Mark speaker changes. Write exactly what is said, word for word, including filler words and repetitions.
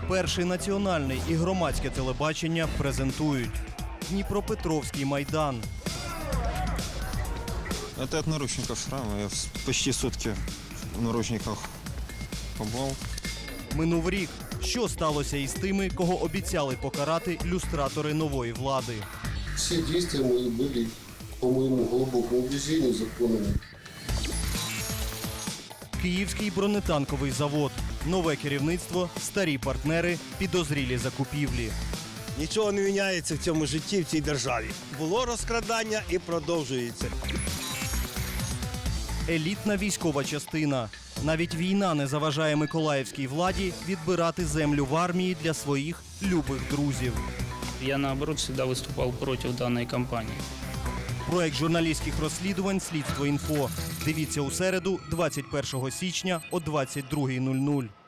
Speaker 1: Перший національний і громадське телебачення презентують Дніпропетровський майдан.
Speaker 2: Это от наручников шрам. Я почти сутки в наручниках побыл.
Speaker 1: Минув рік. Що сталося із тими, кого обіцяли покарати люстратори нової влади?
Speaker 3: Все действия мои были, по моему глубокому убеждению, законными.
Speaker 1: Київський бронетанковий завод. Нове керівництво, старі партнери, підозрілі закупівлі.
Speaker 4: Нічого не міняється в цьому житті, в цій державі. Було розкрадання і продовжується.
Speaker 1: Елітна військова частина. Навіть війна не заважає миколаївській владі відбирати землю в армії для своїх любих друзів.
Speaker 5: Я, наоборот, всегда выступал против данной кампании.
Speaker 1: Проект журналістських розслідувань «Слідство інфо». Дивіться у середу, двадцять першого січня о двадцять другій нуль нуль.